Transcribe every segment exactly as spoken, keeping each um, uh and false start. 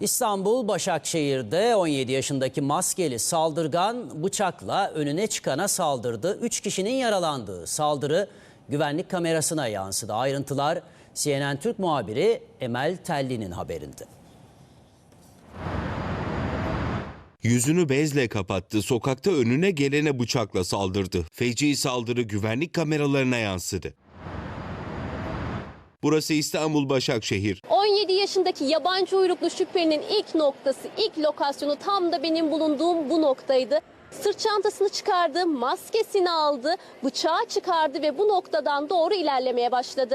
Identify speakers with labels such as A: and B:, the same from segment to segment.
A: İstanbul Başakşehir'de on yedi yaşındaki maskeli saldırgan bıçakla önüne çıkana saldırdı. üç kişinin yaralandığı saldırı güvenlik kamerasına yansıdı. Ayrıntılar C N N Türk muhabiri Emel Telli'nin haberinde.
B: Yüzünü bezle kapattı, sokakta önüne gelene bıçakla saldırdı. Feci saldırı güvenlik kameralarına yansıdı. Burası İstanbul Başakşehir.
C: on yedi yaşındaki yabancı uyruklu şüphelinin ilk noktası, ilk lokasyonu tam da benim bulunduğum bu noktaydı. Sırt çantasını çıkardı, maskesini aldı, bıçağı çıkardı ve bu noktadan doğru ilerlemeye başladı.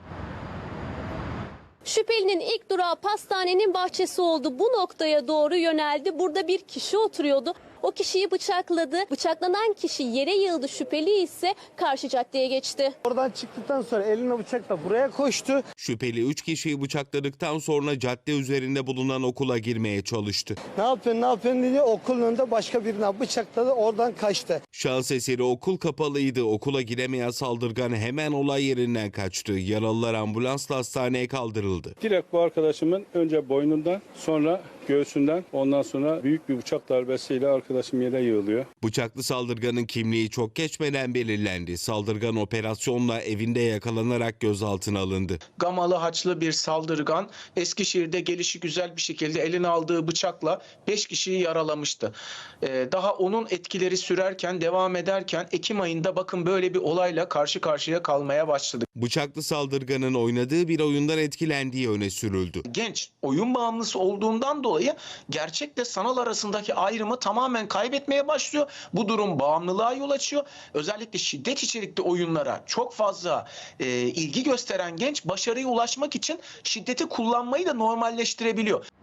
C: Şüphelinin ilk durağı pastanenin bahçesi oldu. Bu noktaya doğru yöneldi. Burada bir kişi oturuyordu. O kişiyi bıçakladı. Bıçaklanan kişi yere yığıldı. Şüpheli ise karşı caddeye geçti.
D: Oradan çıktıktan sonra eline bıçakla buraya koştu.
B: Şüpheli üç kişiyi bıçakladıktan sonra cadde üzerinde bulunan okula girmeye çalıştı.
D: Ne yapıyorsun ne yapıyorsun diye okulun önünde başka birine bıçakladı, oradan kaçtı.
B: Şans eseri okul kapalıydı. Okula giremeyen saldırgan hemen olay yerinden kaçtı. Yaralılar ambulansla hastaneye kaldırıldı.
E: Direkt bu arkadaşımın önce boynundan, sonra göğsünden, ondan sonra büyük bir bıçak darbesiyle arkadaşım yere yığılıyor.
B: Bıçaklı saldırganın kimliği çok geçmeden belirlendi. Saldırgan operasyonla evinde yakalanarak gözaltına alındı.
F: Gamalı haçlı bir saldırgan Eskişehir'de gelişigüzel bir şekilde eline aldığı bıçakla beş kişiyi yaralamıştı. Ee, daha onun etkileri sürerken, devam ederken Ekim ayında bakın böyle bir olayla karşı karşıya kalmaya başladık.
B: Bıçaklı saldırganın oynadığı bir oyundan etkilendiği öne sürüldü.
F: Genç oyun bağımlısı olduğundan dolayı gerçekle sanal arasındaki ayrımı tamamen kaybetmeye başlıyor. Bu durum bağımlılığa yol açıyor. Özellikle şiddet içerikli oyunlara çok fazla e, ilgi gösteren genç başarıya ulaşmak için şiddeti kullanmayı da normalleştirebiliyor.